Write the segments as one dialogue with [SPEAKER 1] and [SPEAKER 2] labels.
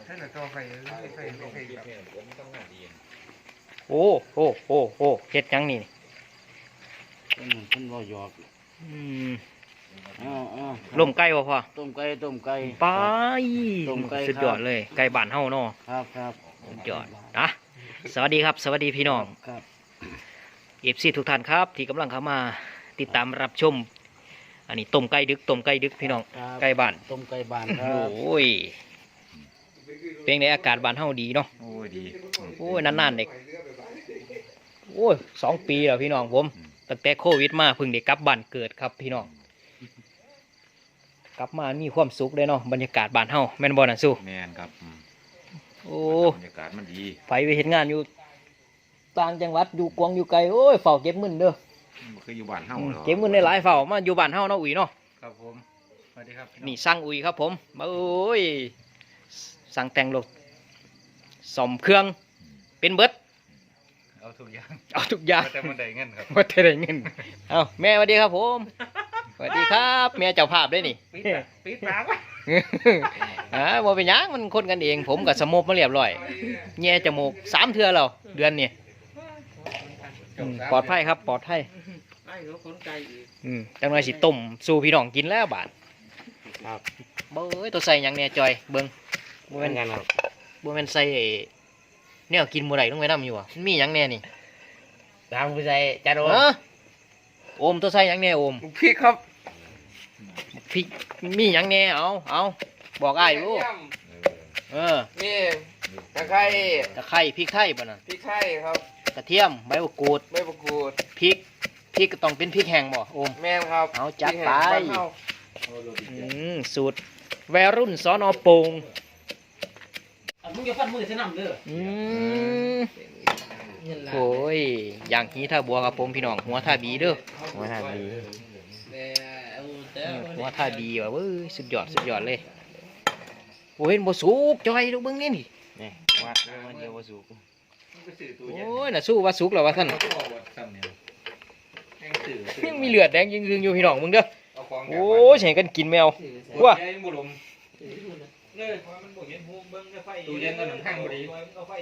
[SPEAKER 1] ท่านละต่อไฟแบบ
[SPEAKER 2] โอ้เฮ็ดยังนี่
[SPEAKER 3] มันบ่หยอก
[SPEAKER 2] ล่มไก่บ่พ่อ
[SPEAKER 3] ต้มไก่
[SPEAKER 2] ไป
[SPEAKER 3] ต้มไก่
[SPEAKER 2] สุดยอดเลยไก่บ้านเฮาเนาะ
[SPEAKER 3] ครับ
[SPEAKER 2] สุดยอดนะสวัสดีครับสวัสดีพี่น้อง
[SPEAKER 3] ครับ
[SPEAKER 2] FC ทุกท่านครับที่กำลังเข้ามาติดตามรับชมอันนี้ต้มไก่ดึกพี่น้องไก่บ้าน
[SPEAKER 3] ต้มไก่บ้านครั
[SPEAKER 2] บโอ้ยเป็นไงอากาศบ้านเฮาดีเนาะ
[SPEAKER 1] โอ้ยดี
[SPEAKER 2] โอ้ยนานๆเด็กโอ้ย2 ปีแล้วพี่น้องผมตั้งแต่โควิดมาเพิ่งได้กลับบ้านเกิดครับพี่น้องกลับมามีความสุขเลยเนาะบรรยากาศบ้านเฮาแม่นบ่น่ะสู้
[SPEAKER 1] แม่นครับ
[SPEAKER 2] โอ้
[SPEAKER 1] บรรยากาศมันดี
[SPEAKER 2] ไปเฮ็ดงานอยู่ต่างจังหวัดอยู่กวางอยู่ไกลโอ้ยเฝ้าเก็บเงินเด้อ
[SPEAKER 1] คืออยู่บ้านเฮา
[SPEAKER 2] เก็บเงินได้หลายเฝ้ามาอยู่บ้านเฮาเนาะอุ้ยเนาะ
[SPEAKER 1] ครับผมสวัสดีครับ
[SPEAKER 2] นี่สั่งอุ้ยครับผมโอ้ยสั่งแต่งรถซ่อมเครื่องเป็นเบิด
[SPEAKER 1] เอาทุกอย่างแต่มันได้เงินครับ
[SPEAKER 2] ว่าแต่ได้เงินเอาแม่สวัสดีครับผมสวัสดีครับแม่เจ้าภาพด้วยนี่
[SPEAKER 1] ปิดปากวะ
[SPEAKER 2] บ่เป็นหยังมันคนกันเองผมกับสมบมาเรียบร้อยแง่จมูก3 เทื่อแล้วเดือนนี้ปลอดภัยครับปลอดภัยจังหน่อยสิต้มสู่พี่น้องกินแล้วบาด
[SPEAKER 3] ครับ
[SPEAKER 2] เบ้ยตัวใส่หยังแน่จอยเบิ่งบ่แม่นกันครับบ่แม่นใส่แนวกินบ่ได้ลงไปนำอยู่อ่ะมันมีหยังแน่นี่
[SPEAKER 3] ตามผู้ใส่จัด
[SPEAKER 2] โอมตัวใส่หยังแน่โอม
[SPEAKER 1] พริกครับ
[SPEAKER 2] พริกมีหยังแน่เอาบอกอ้ายดู
[SPEAKER 4] มีตะไคร้
[SPEAKER 2] พริกไทยป่ะน่ะ
[SPEAKER 4] พริกไทยครับ
[SPEAKER 2] กระเทียมใบมะกรูดพริกก็ต้องเป็นพริกแห้งบ่โอม
[SPEAKER 4] แม่นครับ
[SPEAKER 2] เอาจัดไปสูตรวัยรุ่นสน.โป่ง
[SPEAKER 3] มึงอย่าฟันมือใส่น้ำเด้อ
[SPEAKER 2] โอ้ยอย่างนี้ถ้าบัวครับผมพี่น้องหัวท่าบีเด้อ
[SPEAKER 3] หัวท่าบี
[SPEAKER 2] ว่ะเว้ยสุดยอดเลยโอ้ยบ่สุกจอยดูเบิ่งนี่
[SPEAKER 3] วัดมันเดียวบ่สุก
[SPEAKER 2] โอ้ยน่ะสู้ว่าสุกแล้วว่าท่านยังมีเลือดแดงยิงๆอยู่พี่น้องมึงเด้อโอ้ยใส่กันกินแมวว้า
[SPEAKER 1] ตู้เย็นก็หนังข้างพอดี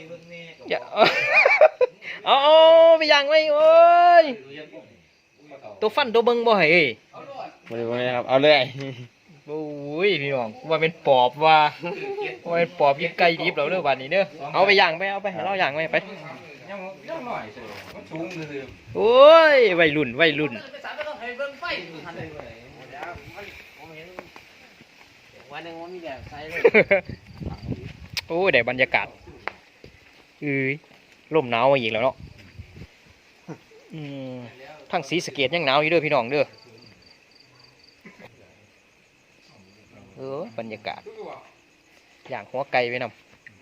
[SPEAKER 2] เอาไปย่างไว้โอ้ยตัวฟันตัวเบิ่งบ่ให้
[SPEAKER 3] บ่ได้ครับเอาเลย
[SPEAKER 2] โอ้ยพี่น้องว่าเป็นปอบว่าเป็นปอบยิงไก่ดิบแล้วเด้อบัดนี้เด้อเอาไปย่างไปเอาไปให้เราย่างไว้ไป
[SPEAKER 1] ยังหน่อยสิมันชุ่มซื่อ
[SPEAKER 2] โอ้ยวัยรุ่น
[SPEAKER 3] วันนึงมันมีแบบใส่เลย
[SPEAKER 2] โอ้ยได้บรรยากาศลมหนาวมาอีกแล้วเนาะทั้งศรีสะเกษยังหนาวอยู่เด้อพี่น้องเด้อบรรยากาศอย่างหัวไก่ไปนำ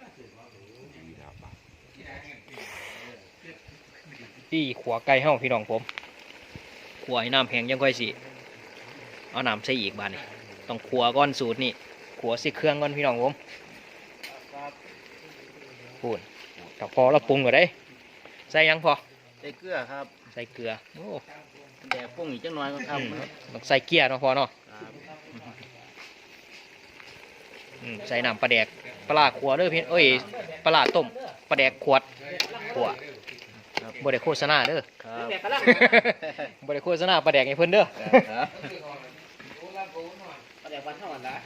[SPEAKER 2] ที่ขัวไก่เฮาพี่น้องผมขัวให้น้ำแห้งยังค่อยสิเอาน้ำใส่อีกบาดนี่ต้องขัวก้อนสูตรนี่ขัวสิเครื่องก้อนพี่น้องผมพูดแต่พอเราปรุงก็ได้ใส่ยังพอ
[SPEAKER 3] ใส่เกลือครับ
[SPEAKER 2] ใส่เกลือโอ้
[SPEAKER 3] แต่ปรุงอีกจังน้อยก็ทำ
[SPEAKER 2] ต้องใส่เกลือเนาะพอเนาะใส่น้ำปลาแดกปลาขวดเด้อพี่ปลาต้มปลาแดกขวดบ่ได้โฆษณาเด้อบ่ได้โฆษณาปลาแดกให้เพิ่นเด้อ
[SPEAKER 3] ปลาแดกบ้านเฮาอันละ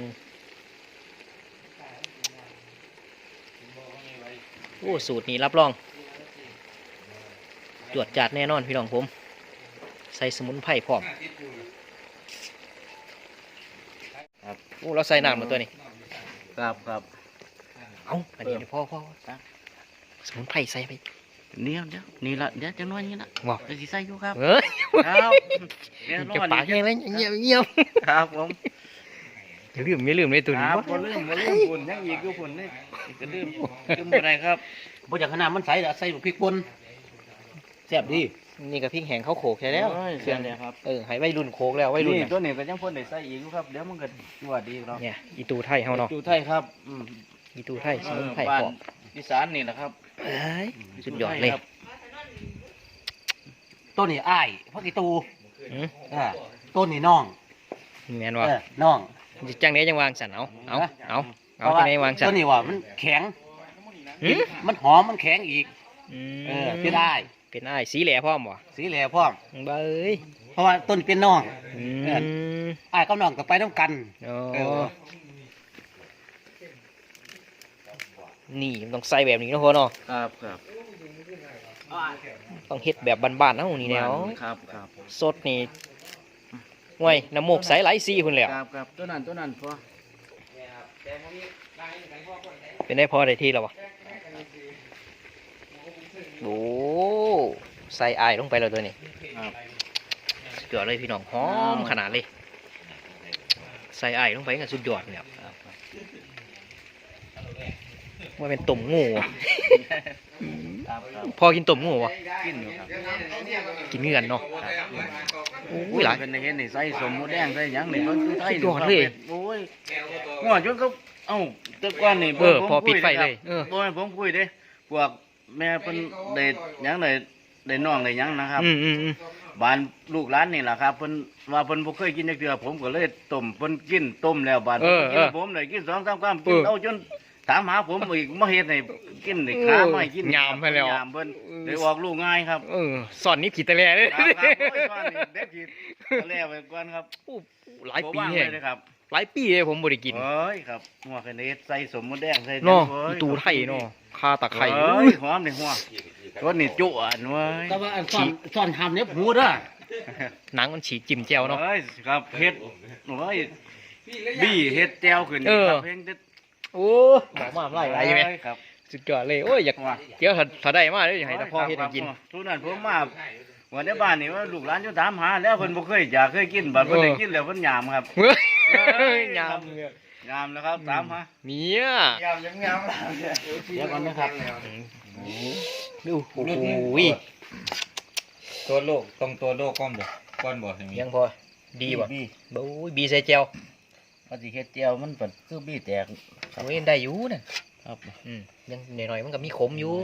[SPEAKER 2] โอ้สูตรนี้รับรองตรวจจัดแน่นอนพี่น้องผมใส่สมุนไพรพร้อมโอ้เราใส่น้ำมาตัวนี้
[SPEAKER 3] ครับ
[SPEAKER 2] เอาอันนี้พ่อสมุนไพรใส่ไป
[SPEAKER 3] นี่ละเดี๋ยวจะน้อยนี่ละ
[SPEAKER 2] บอก
[SPEAKER 3] จะสิใส่อยู่ครับ
[SPEAKER 2] ครับจะปากยังไงเงียบ
[SPEAKER 3] ครับผม
[SPEAKER 2] อย่าลืมเลยตัวนี้
[SPEAKER 3] บ่ลืมฝุ่นยังอีกอยู่ฝุ่นนี่ก็ลืมบ่ได้ครับบ่จากขนาดมันใส่ละใส่พริกป่นแซ่บดี
[SPEAKER 2] นี่กับพริกแห้งเขาโขกใช่แล้ว
[SPEAKER 3] เครื่องเนี่ยครับ
[SPEAKER 2] ให้วัยรุ่นโขกแล้ววัยรุ่น
[SPEAKER 3] ตัวนี้ก็ยังพ่นได้ใส่อีกครับเดี๋ยวมันก็ว่าดีเนาะ
[SPEAKER 2] เนี่ยอีตูไทยเฮาเนาะ
[SPEAKER 3] อีตูไทยครับ
[SPEAKER 2] อีตูไทยสมุนไพรพร้อม
[SPEAKER 3] อีสานนี่แหละครับ
[SPEAKER 2] สุดยอดเลย
[SPEAKER 3] ต้นนี่อ้ายพักอีตูต้นนี่น้อง
[SPEAKER 2] แม่นว่า
[SPEAKER 3] น้อง
[SPEAKER 2] จังไหนจังวางสันเอาเอาที่ไหนวางจั
[SPEAKER 3] ตั
[SPEAKER 2] ด
[SPEAKER 3] วนี้ว่ามันแข็ง
[SPEAKER 2] หืม
[SPEAKER 3] มันหอมมันแข็งอีก ที่ได้
[SPEAKER 2] เป็นอ้ายสีแหล่พร้อมบ่
[SPEAKER 3] สีแหล่พร้อม
[SPEAKER 2] เบ้ย
[SPEAKER 3] เพราะว่าต้นเป็นน้อง
[SPEAKER 2] อืม
[SPEAKER 3] อ้ายกับน้องก็ไปน้ำกัน
[SPEAKER 2] โอ้
[SPEAKER 3] เออ
[SPEAKER 2] นี่มันต้องใส่แบบนี้เนาะพ่อเนาะ
[SPEAKER 3] ครับครับ
[SPEAKER 2] ต้องเฮ็ดแบบบ้านๆเฮานี่แนว
[SPEAKER 3] ครับครับ
[SPEAKER 2] สดนี่ห่วยน้ำมูกใสไหลสีพุ่นแหล้ว
[SPEAKER 3] ครับครับตัวนั้นพอ
[SPEAKER 2] เป็นได้พอได้ที่แล้ววะโอ้ใส่อายลงไปแล้วตัวนี้
[SPEAKER 3] ครับ
[SPEAKER 2] สุดยอดเลยพี่น้องหอมขนาดเลยใส่อายลงไปกันสุดยอดเลยครับว่าเป็นต้มงูวะ
[SPEAKER 3] ครับครับ
[SPEAKER 2] พอกินต้มงูวะ
[SPEAKER 3] กินอยู่ครับ
[SPEAKER 2] กินเงื่อนเนาะโอ้ยหลาย
[SPEAKER 3] เป็นในเห็นนี่ใส่สมหมูแดงใส่หยังนี่มันคือไทย
[SPEAKER 2] สุดยอดเลย
[SPEAKER 3] โอ้ยหัวจนก็เอ้าแต่ก่อนนี่
[SPEAKER 2] พอปิดไฟเลย
[SPEAKER 3] บ่ให้ผมคุยเด้พวกแม่เพิ่นได้หยังได้น้องได้หยังนะครับ
[SPEAKER 2] อืม
[SPEAKER 3] บ้านลูกหลานนี่แหละครับเพิ่นว่าเพิ่นบ่เคยกินจักเทื่อผมก็เลยต้มเพิ่นกินต้มแล้วบาดเพิ่นกินผมได้กิน2-3คำกินเอาจนถามหาผมอีกมาเฮ็ดให้กินได้ขาไม่กิน
[SPEAKER 2] ยามไปแล้ว
[SPEAKER 3] ยามเพิ่นได้ออกลูกง่ายครับ
[SPEAKER 2] สอนนี่ขีดตะแลเลย
[SPEAKER 3] ครับครับโอ้ยว่านี่เด็กกินแล้วไปก่อนครับ
[SPEAKER 2] โอ้หลายปี
[SPEAKER 3] บ่ว่าง
[SPEAKER 2] แฮง
[SPEAKER 3] เลยครับ
[SPEAKER 2] หลายปีเลยผมบ่ได้กิน
[SPEAKER 3] เอ้ยครับหัวคะเนดใส่สมมติแดงใส่
[SPEAKER 2] เนาะ
[SPEAKER 3] เอ้
[SPEAKER 2] อี
[SPEAKER 3] ย
[SPEAKER 2] ตูไทยเนาะคาตะไคร้
[SPEAKER 3] เอ้ยหอมเลยหัวรสนี่จุอ่ะเว้ย
[SPEAKER 4] แต่ว่าซ่อนทำเนี่ยหูเด้อ
[SPEAKER 2] หนังมันฉีกจิ้มแจ่วเนาะ
[SPEAKER 3] เอ้ยครับเฮ็ดโอ้ยบี้เฮ็ดแจ่วขึ้น
[SPEAKER 2] เออ
[SPEAKER 3] ครับเพ่งเด็ด
[SPEAKER 2] โอ้บอกมาไล่ไรไหม
[SPEAKER 3] เอ้ยครับ
[SPEAKER 2] สุดยอดเลยโอ้ยอยากเดี๋ยวถ้าได้มาเดี๋ยวอยากให้ตาพ่อเฮ็ดให้กิน
[SPEAKER 3] ทุกนั้นผมมาวันในบ้านนี่ว่าลูกหลานอยู่ถามหาแล้วเพิ่นบ่เคยอยากเคยกินบัดเพิ่นได้กินแล้วเพิ่นยามครับ
[SPEAKER 2] เฮ้ย
[SPEAKER 3] เอ้ย
[SPEAKER 2] ยาม
[SPEAKER 3] ยามแล้วครับถามหา
[SPEAKER 2] เนี่ย
[SPEAKER 3] ยามยังยามเดี๋ยวก่อนนะครับ
[SPEAKER 2] ดูโอ้โห
[SPEAKER 1] ตัวโลกตรงตัวโลกก้อนบ่เห็นไหม
[SPEAKER 2] ยังพอดีป่ะ
[SPEAKER 3] บี้
[SPEAKER 2] โอ้ยบีใส่แจ่ว
[SPEAKER 3] ว่าสิเฮ็ดแจ่วมันเปิดคือบี้แตก
[SPEAKER 2] โอ้ยได้อยู่น่ะ
[SPEAKER 3] ครับ
[SPEAKER 2] ยังหน่อยๆมันก็มีขมอยู่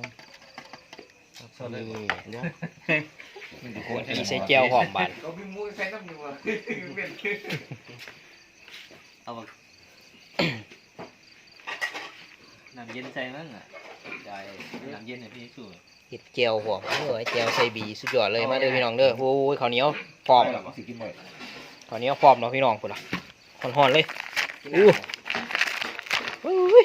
[SPEAKER 3] สวัสดีเดี๋ยว
[SPEAKER 2] บีใส่แจ่วหอมบาน
[SPEAKER 3] เอาน้ำเย็นใส่นั่นน่ะใจน้ำเย็นให้พี่สู้
[SPEAKER 2] เห็ดแจ่วหอมแจ่วใส่บีสุดยอดเลยมาเด้อพี่น้องเด้อโอ้ยข้าวเหนียวฟอมข้าวเหนียวฟอมเนาะพี่น้องพุ่นล่ะห่อนๆเลยอู้อุ้ย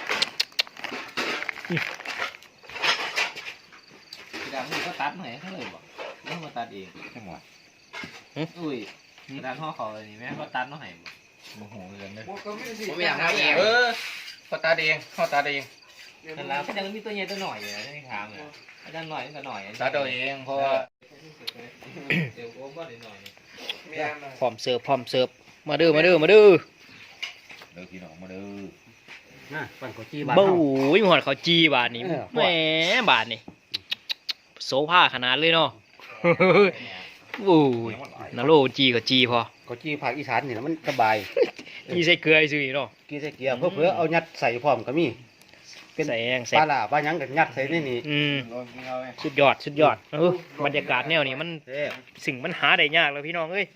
[SPEAKER 3] ดำนี่ก็ตัดไหนเขาเลยบอกแล้วมาตัดเองใช่ไหมอุ้ยตัดห่อเขาเลยนี่แม่ก็ตัดน้องไหนบ่
[SPEAKER 1] โมโหเลยนะ
[SPEAKER 4] ผมอยากทำเอง
[SPEAKER 1] เขาตาเองเขาตาเอง
[SPEAKER 3] นั่นแล้วก็ยังมีตัวใหญ่ตัวหน่อยอยู่นะที่ถามเลยอาจารย์หน่อยก็หน่อย
[SPEAKER 1] ตาตัวเองเพราะว่า
[SPEAKER 3] เดี๋ยวโอ้ก็หน่อย
[SPEAKER 2] พร้อมเสิร์ฟมาเด้อ
[SPEAKER 1] เด้อพี่น้องมาเด้อ
[SPEAKER 4] นะปั่นข้าวจีบ้าน
[SPEAKER 2] บู๊
[SPEAKER 4] เฮาย
[SPEAKER 2] หอดเขาจีบาทนี่
[SPEAKER 4] เออ
[SPEAKER 2] แหมบาทนี่โซฟาขนาดเลยเนาะโอ้ยนาโลจีก็จีพอ
[SPEAKER 4] ข้าวจีภาคอีสานนี่นะมันสบาย
[SPEAKER 2] จีใส่เกลือซื่อเนาะ
[SPEAKER 4] กินใส่เกียร์เพื่อเอายัดใส่พร้อมก็มี เป็น
[SPEAKER 2] ใส่แอง
[SPEAKER 4] ป
[SPEAKER 2] ใส่
[SPEAKER 4] ลาล่าปลาหยังก็ยัดใส่ในนี่
[SPEAKER 1] ลองกินเอาไหม
[SPEAKER 2] สุดยอดบรรยากาศแนวนี้มัน
[SPEAKER 4] เด้อ
[SPEAKER 2] สิ่งมันหาได้ยากแล้วพี่น้องเอ้ย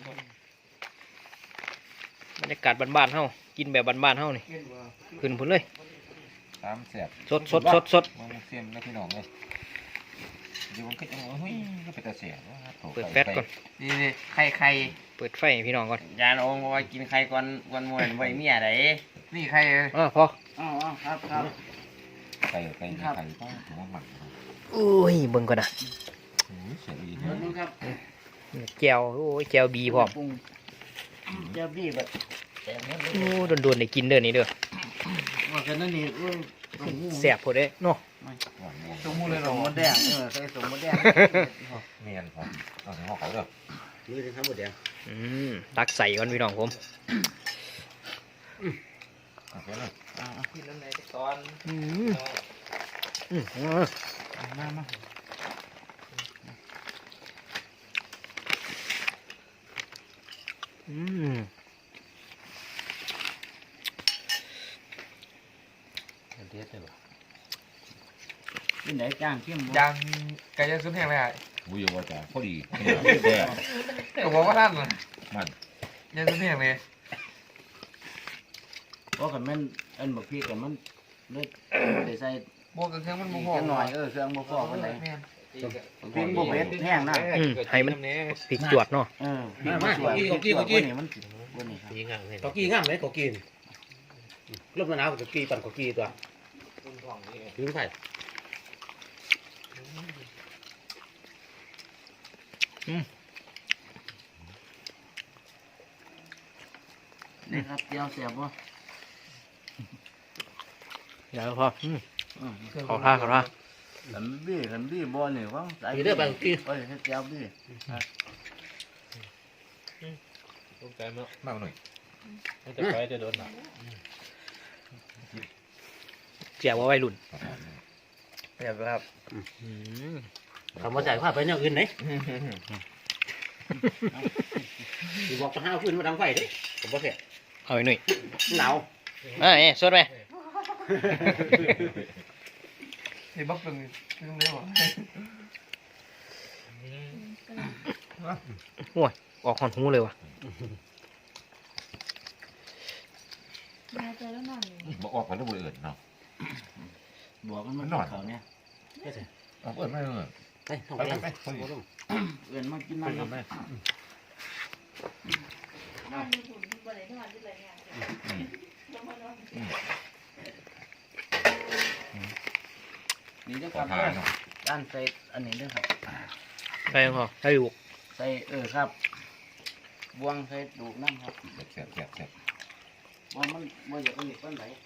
[SPEAKER 2] บรรยากาศบ้านๆเฮากินแบบบ้านๆเฮานี่ขึ้นพุ่นเลย
[SPEAKER 1] ตามเสียบ
[SPEAKER 2] สด
[SPEAKER 1] มันเสียมแล้วพี่น้องเลยเดี๋ยวมันก็จะเฮ้ยก็เป็นตาเสียบ
[SPEAKER 2] เปิดแฟตก่อน
[SPEAKER 3] นี่ไข่
[SPEAKER 2] เปิดไฟให้พี่น้องก่อน
[SPEAKER 3] ยานองว่ากินไข่ก่อนวันมวยไว้เมียไหนนี่ไข่
[SPEAKER 2] พอ
[SPEAKER 3] อ๋อครับครับ
[SPEAKER 1] ไก่ไก่ต้องถือว่าหมัก
[SPEAKER 2] อุ้ยเบิ่งก่อนนะ
[SPEAKER 1] เสียดี
[SPEAKER 3] ดูครับ
[SPEAKER 2] แก้วโอ้ยแก้วบีพร้อม
[SPEAKER 3] เจ้าบี้แบบ
[SPEAKER 2] โอ้โดนๆได้กินเด้อนี่เด้อ
[SPEAKER 3] ว่ากันนั่นนี่อุ้ย
[SPEAKER 2] แซ่บพอเด้เนาะ
[SPEAKER 3] สมมุติเลยหรอมดแดงใส่สมมดแดง
[SPEAKER 1] เมียนครับเอาถึงเขาเด้อ
[SPEAKER 4] นี่เป็นทั้งหมดแดง
[SPEAKER 2] ตักใส่ก่อนพี่น้องผม
[SPEAKER 1] โอเคเลย
[SPEAKER 3] กินน้ำไหนตอน
[SPEAKER 1] มา
[SPEAKER 4] เด็ดเลยว่ะ
[SPEAKER 3] กินไหนจ้างเข้ม
[SPEAKER 5] ยังไก่ย่างซุปแห้งเลยอ่ะ
[SPEAKER 1] บุยว่าจะพอดีแซ่
[SPEAKER 5] ผมบอกว่าท่านน่ะ
[SPEAKER 1] มัน
[SPEAKER 5] ย่างซุปแห้งเลย
[SPEAKER 3] เพราะกันแม่นอันบักพี่กันมันเลยบ่ได้ใส่
[SPEAKER 5] บวกกับเครื่องมัน
[SPEAKER 3] อี
[SPEAKER 5] บ่
[SPEAKER 3] ก
[SPEAKER 5] พอ
[SPEAKER 3] จังหน่อยเครื่องบ่พอปานใด
[SPEAKER 5] แม่น
[SPEAKER 3] พริกบ่เผ็ดแห้งนะ
[SPEAKER 2] ให้มันพริกจวดเนาะ
[SPEAKER 3] พริกบ่สวยพริกจวดกว่านี่มันสิกว่านี่ครับ
[SPEAKER 4] กอกี้งามไหมกอกี้ลมหนาวกอกี้ปั่นกอกี้ตัวยืมไผ่
[SPEAKER 3] นี่ครับเจียวแซ่บบ่
[SPEAKER 2] เดี๋ยวพอขอท่าขอท่า
[SPEAKER 3] ขันบี้บ่นี่ว่าสาย
[SPEAKER 4] มีเด้อปั่นกอกี้
[SPEAKER 3] เอ้ยเฮ็ดเจียวบี้
[SPEAKER 1] มากหน่อย
[SPEAKER 2] เจียวว่าวัยรุ่น
[SPEAKER 5] แซ่บครับ
[SPEAKER 4] คำว่าใส่ผ้าไปอย่างอื่นไหนที่บอกจะห้าวขึ้นมาดังไฟเด้ผมบอกแค่
[SPEAKER 2] เอาไว้หน่อย
[SPEAKER 4] หนาว
[SPEAKER 2] สดไหม
[SPEAKER 5] นี่บักเป็นเครื่องเดียว
[SPEAKER 2] โอ้ยออกหอนหูเลยว่ะ
[SPEAKER 6] มาเจอแล้วนอนอยู่
[SPEAKER 1] บอกออกกันแล้วบ่เอื่นเนาะ
[SPEAKER 3] บอกมัน
[SPEAKER 1] มันนอน
[SPEAKER 3] เขาเนี่ย
[SPEAKER 1] ออกเอื่นไม่เอื่น
[SPEAKER 4] ไปห้องไป
[SPEAKER 3] เอื้อนมากิน
[SPEAKER 1] ไป
[SPEAKER 3] น้ำ
[SPEAKER 1] กันไหม
[SPEAKER 6] นอนอยู่หุ่นทุกวันเลยทุกวันที่ไรเนี่ยลงมานอน
[SPEAKER 3] นี่เด้อ
[SPEAKER 1] ข
[SPEAKER 3] ค
[SPEAKER 1] อ
[SPEAKER 3] รับ
[SPEAKER 1] ทานเนาะ
[SPEAKER 3] ด้านใส่อันนี้เด้อครับ
[SPEAKER 2] ไปพอให้ลูก
[SPEAKER 3] ใส่ครับบวงใส่ดูกน้ำครับ
[SPEAKER 1] แซ่บแซ่บแซ่บ
[SPEAKER 3] ว่ามันบ่อยากเอาอีกปานใด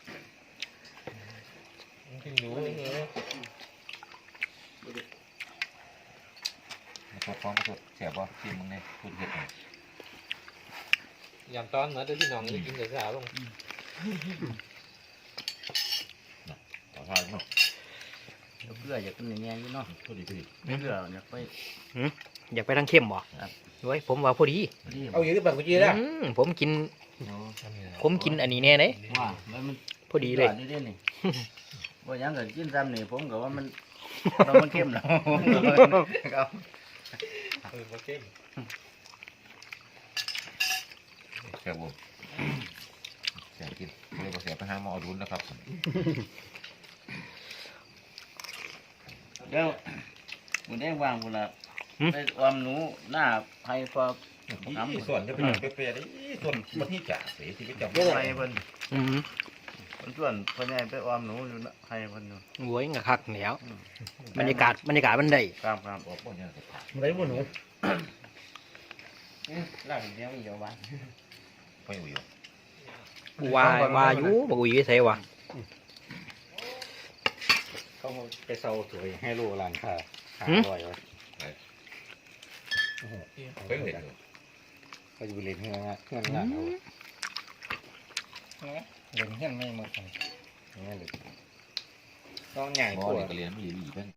[SPEAKER 1] มาสดฟ้องมาสดแซ่บบ่ชิมมึงเนี่ยพูดเผ็ดหน่อย
[SPEAKER 7] ยำตอนเหมือนที่น้องได้กินแต่สาวลง
[SPEAKER 1] ขอทานเนาะ
[SPEAKER 3] เดี๋ยวเพื่ออยากกินอย่างเงี้ยอยู่เนาะ
[SPEAKER 1] พูดดีพูดดี
[SPEAKER 3] เพื่ออยากไป
[SPEAKER 2] อยากไปทางเข้มบ่ไว้ยผมว่าพอดี
[SPEAKER 3] รีบ
[SPEAKER 4] เอาอยู่ที่ปั่นกอกี้แล้ว
[SPEAKER 2] ผมกินอันนี้แน่เลย
[SPEAKER 3] ว่าแล้วมัน
[SPEAKER 2] พอดีเลย
[SPEAKER 3] นี่นี่ว่ายังก็กินซ้ำนี่ผมก็ว่ามันมันเข้มแล้วครับ
[SPEAKER 7] มาเข้ม
[SPEAKER 1] แซ่บบ่แซ่บกินเรียกว่าแซ่บไปหาหมอรุนนะครับ
[SPEAKER 3] เดี๋ยวมันได้วางพุ่นละไปออมหนูหน้าไผ่ฟอก
[SPEAKER 1] นี่ส่วนจะเป็นเปรี้ยวๆนี่ส่วนมันที่จ่าเสียชีวิตจำ
[SPEAKER 3] ไผ่เพิ่น
[SPEAKER 2] อืม
[SPEAKER 3] ส่วนพ่อใหญ่ไปออมหนูอยู่นะไผ่เพิ่นอยู่
[SPEAKER 2] โว้ยงะคักแล้วบรรยากาศมันได้
[SPEAKER 3] ครับ
[SPEAKER 1] ออกบ่เนี่ยก็ผ่าน
[SPEAKER 4] ไรบุญหนู
[SPEAKER 3] หลังเดียวอีกบ้าน
[SPEAKER 1] ไปอยู่
[SPEAKER 2] ว่าอยู่บ่อุ้ยใส่ว่ะ
[SPEAKER 4] เขาไปเซาสวยให้ลูกหลานค่ะหาบ่อยไว้
[SPEAKER 1] ไปเห็นอยู่
[SPEAKER 4] ก็อยู่เล่นเฮือนเฮือนหลานเอาเล่นเฮือนไม่หมดนี่เลยต้องใหญ่
[SPEAKER 1] หม
[SPEAKER 4] ก
[SPEAKER 1] อ
[SPEAKER 4] ว่า
[SPEAKER 1] นี่ก็เรียนไม่ดีเพิ่น